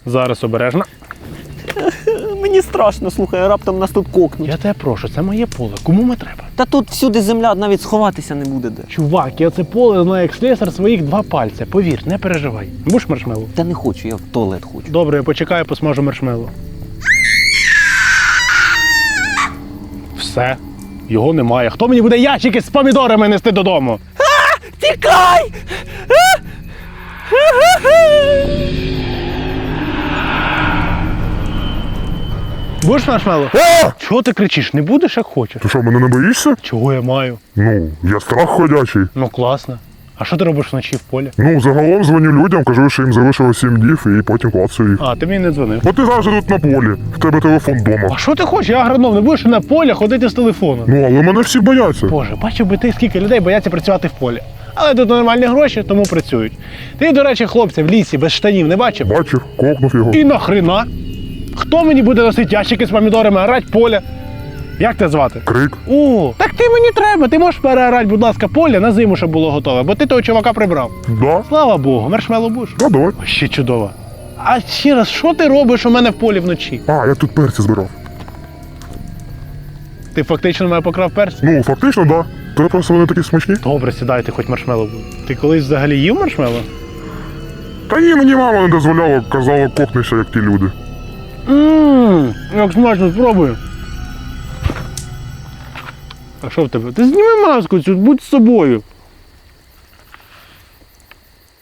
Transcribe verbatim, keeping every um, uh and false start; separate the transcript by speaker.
Speaker 1: Зараз обережно.
Speaker 2: Мені страшно, слухай, раптом нас тут кокнуть.
Speaker 1: Я тебе прошу, це моє поле. Кому ми треба?
Speaker 2: Та тут всюди земля, навіть сховатися не буде де.
Speaker 1: Чувак, я це поле знаю як слесар своїх два пальця. Повір, не переживай. Будеш маршмеллоу?
Speaker 2: Та не хочу, я в туалет хочу.
Speaker 1: Добре, я почекаю, посмажу маршмеллоу. Все. Його немає. Хто мені буде ящики з помідорами нести додому?
Speaker 2: Тікай!
Speaker 1: Будеш маршмеллоу? Чого ти кричиш? Не будеш, як хочеш?
Speaker 3: Ти що, мене не боїшся?
Speaker 1: Чого я маю?
Speaker 3: Ну, я страх ходячий.
Speaker 1: Ну класно. А що ти робиш вночі в полі?
Speaker 3: Ну, загалом дзвоню людям, кажу, що їм залишилось сім днів і потім клацаю їх.
Speaker 1: А, ти мені не дзвонив.
Speaker 3: Бо ти завжди тут на полі, в тебе телефон вдома.
Speaker 1: А що ти хочеш? Я агроном, не будеш на полі ходити з телефоном.
Speaker 3: Ну, але мене всі бояться.
Speaker 1: Боже, бачив би ти, скільки людей бояться працювати в полі. Але тут нормальні гроші, тому працюють. Ти, до речі, хлопця в лісі без штанів не бачив?
Speaker 3: Бачив, кокнув його.
Speaker 1: І нахрена? Хто мені буде носити ящики з помідорами, орати поле? Як тебе звати?
Speaker 3: Крик.
Speaker 1: О, так ти мені треба. Ти можеш переорати, будь ласка, поле на зиму, щоб було готове, бо ти того чувака прибрав.
Speaker 3: Да?
Speaker 1: Слава Богу, маршмеллоу будеш?
Speaker 3: Да, давай.
Speaker 1: Ще чудово. А ще раз, що ти робиш у мене в полі вночі?
Speaker 3: А, я тут перці збирав.
Speaker 1: Ти фактично мене покрав перці?
Speaker 3: Ну, фактично, да. Та просто вони такі смачні.
Speaker 1: Добре, сідайте, хоч маршмеллоу буде. Ти колись взагалі їв маршмеллоу?
Speaker 3: Та ні, мені мама не дозволяла, казала, кокнися, як ті люди.
Speaker 1: Ммм, як смачно, спробую. А що в тебе? Ти зніми маску цю, будь з собою.